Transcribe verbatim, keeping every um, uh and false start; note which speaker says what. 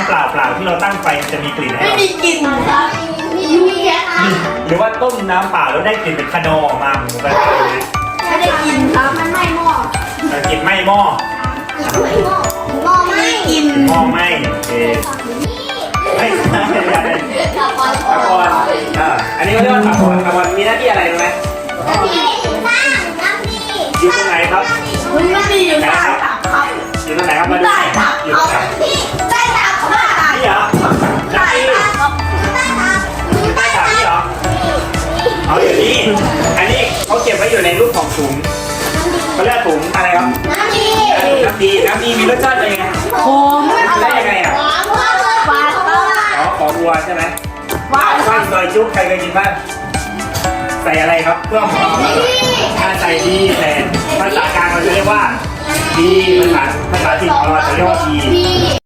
Speaker 1: ำเปล่าเปล่าที่เราตั้งไฟจะมีกลิ่นไหม
Speaker 2: ไม่มีกลิ่นครับมีมีแค่น้ำ
Speaker 1: หรือว่าต้มน้ำเปล่าแล้วได้กลิ่นเป็นคานอออกมาหมูกระทะเลย
Speaker 2: ไม่ได้กินครับมันไม่หม้อก
Speaker 1: ลิ่นไหม้หม้อ
Speaker 2: ไม่หม้อหม้อไม่กิน
Speaker 1: หม้อไหม้โอเคไม่ใช่ไม่ใช่
Speaker 2: ตะกอน
Speaker 1: ตะกอนอ่าอันนี้เขาเรียกว่าตะกอนตะกอนมีหน้าที่อะไรรู้ไหม
Speaker 2: น้ำดีตั้งน้ำดี
Speaker 1: อยู่ตรงไหนครับ
Speaker 2: มันไม่ดีอยู่ใต้ตับครับ
Speaker 1: อยู่ตรงไหนครับมาดู
Speaker 2: ใต้ตับ
Speaker 1: อยู่ต
Speaker 2: เอา
Speaker 1: รงไหน
Speaker 2: ที่ใต้ตับครับ
Speaker 1: นี่เหรอ
Speaker 2: ใต้
Speaker 1: นี่
Speaker 2: ตับครับใต้ตับ
Speaker 1: ใต้ถังนี่เหรอเอาอยู่นี่อันนี้เขาเก็บไว้อยู่ในรูปของถุงเขาเรียกถุงอะไรครับ
Speaker 2: น้ำดี
Speaker 1: น้ำดีน้ำดีมีรสชาติเป็นไง
Speaker 2: โอ้ไม่อร่
Speaker 1: ได้
Speaker 2: อย
Speaker 1: ยังไงอ่ะ
Speaker 2: หวานมากเลยหวานมาก
Speaker 1: อ๋อของวัวใช่ไหม
Speaker 2: หวาน
Speaker 1: ข้าวซอยจุ๊บใครเคยกินบ้างใส่อะไรครับเพื่อหอมถ้าใส่ดีแต่ภาษากลางเราจะเรียกว่าดีภาษาภาษาถิ่นของเราจะเรียกว่าดี
Speaker 2: ดี